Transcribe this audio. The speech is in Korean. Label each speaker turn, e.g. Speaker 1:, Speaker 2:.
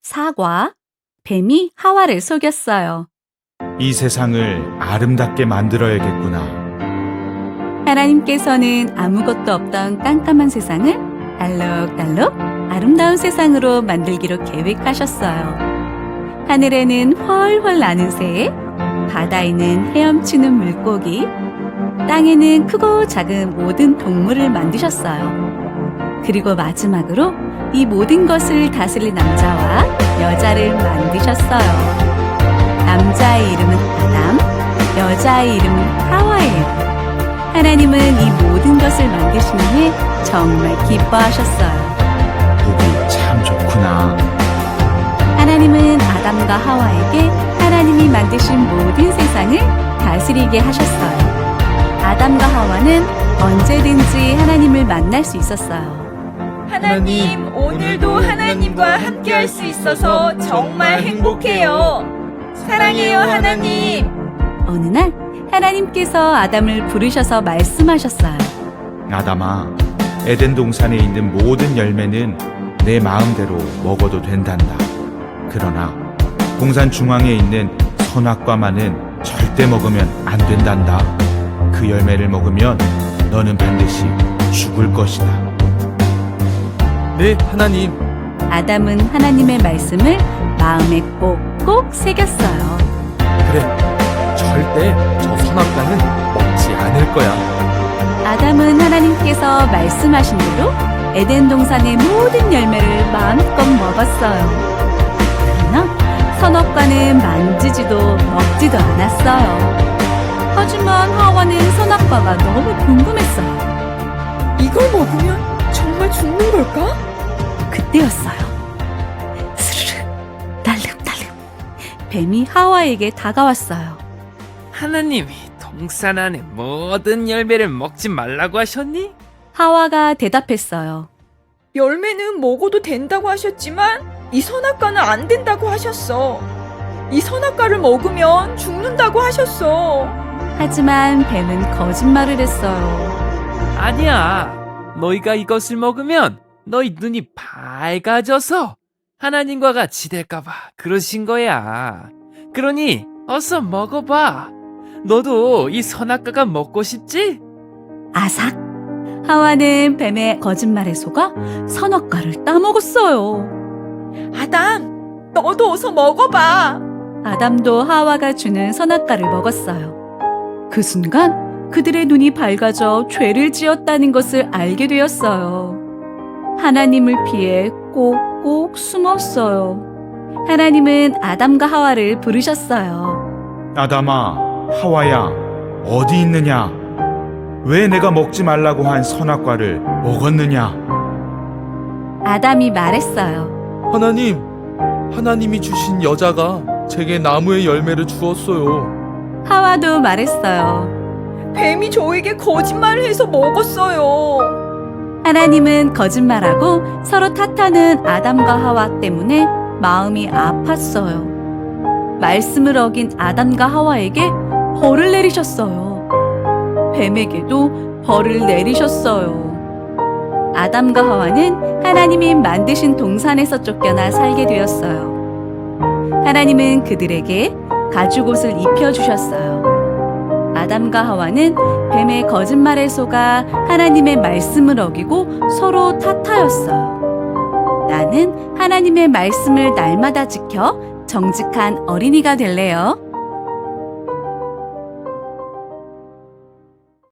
Speaker 1: 사과, 뱀이 하와를 속였어요.
Speaker 2: 이 세상을 아름답게 만들어야겠구나.
Speaker 1: 하나님께서는 아무것도 없던 깜깜한 세상을 알록달록 아름다운 세상으로 만들기로 계획하셨어요. 하늘에는 훨훨 나는 새, 바다에는 헤엄치는 물고기, 땅에는 크고 작은 모든 동물을 만드셨어요. 그리고 마지막으로 이 모든 것을 다스릴 남자와 여자를 만드셨어요. 남자의 이름은 아담, 여자의 이름은 하와예요. 하나님은 이 모든 것을 만드신 후에 정말 기뻐하셨어요.
Speaker 2: 보기 참 좋구나.
Speaker 1: 하나님은 아담과 하와에게 하나님이 만드신 모든 세상을 다스리게 하셨어요. 아담과 하와는 언제든지 하나님을 만날 수 있었어요.
Speaker 3: 하나님, 오늘도 하나님과 함께 할 수 있어서 정말 행복해요. 사랑해요, 하나님.
Speaker 1: 어느 날 하나님께서 아담을 부르셔서 말씀하셨어요.
Speaker 2: 아담아, 에덴 동산에 있는 모든 열매는 내 마음대로 먹어도 된단다. 그러나 동산 중앙에 있는 선악과만은 절대 먹으면 안 된단다. 그 열매를 먹으면 너는 반드시 죽을 것이다.
Speaker 4: 네, 하나님.
Speaker 1: 아담은 하나님의 말씀을 마음에 꼭꼭 새겼어요.
Speaker 4: 그래, 절대 저 선악과는 먹지 않을 거야.
Speaker 1: 아담은 하나님께서 말씀하신 대로 에덴 동산의 모든 열매를 마음껏 먹었어요. 그러나 선악과는 만지지도 먹지도 않았어요. 하지만 하와는 선악과가 너무 궁금했어요.
Speaker 3: 이걸 먹으면 정말 죽는 걸까?
Speaker 1: 그때였어요. 스르르, 날름날름. 뱀이 하와에게 다가왔어요.
Speaker 5: 하나님이 동산 안의 모든 열매를 먹지 말라고 하셨니?
Speaker 1: 하와가 대답했어요.
Speaker 3: 열매는 먹어도 된다고 하셨지만 이 선악과는 안 된다고 하셨어. 이 선악과를 먹으면 죽는다고 하셨어.
Speaker 1: 하지만 뱀은 거짓말을 했어요.
Speaker 5: 아니야. 너희가 이것을 먹으면 너희 눈이 밝아져서 하나님과 같이 될까봐 그러신 거야. 그러니 어서 먹어봐. 너도 이 선악과가 먹고 싶지?
Speaker 1: 아삭! 하와는 뱀의 거짓말에 속아 선악과를 따먹었어요.
Speaker 3: 아담, 너도 어서 먹어봐.
Speaker 1: 아담도 하와가 주는 선악과를 먹었어요. 그 순간 그들의 눈이 밝아져 죄를 지었다는 것을 알게 되었어요. 하나님을 피해 꼭꼭 숨었어요. 하나님은 아담과 하와를 부르셨어요.
Speaker 2: 아담아, 하와야, 어디 있느냐? 왜 내가 먹지 말라고 한 선악과를 먹었느냐?
Speaker 1: 아담이 말했어요.
Speaker 4: 하나님, 하나님이 주신 여자가 제게 나무의 열매를 주었어요.
Speaker 1: 하와도 말했어요.
Speaker 3: 뱀이 저에게 거짓말을 해서 먹었어요.
Speaker 1: 하나님은 거짓말하고 서로 탓하는 아담과 하와 때문에 마음이 아팠어요. 말씀을 어긴 아담과 하와에게 벌을 내리셨어요. 뱀에게도 벌을 내리셨어요. 아담과 하와는 하나님이 만드신 동산에서 쫓겨나 살게 되었어요. 하나님은 그들에게 가죽옷을 입혀주셨어요. 아담과 하와는 뱀의 거짓말에 속아 하나님의 말씀을 어기고 서로 탓하였어요. 나는 하나님의 말씀을 날마다 지켜 정직한 어린이가 될래요.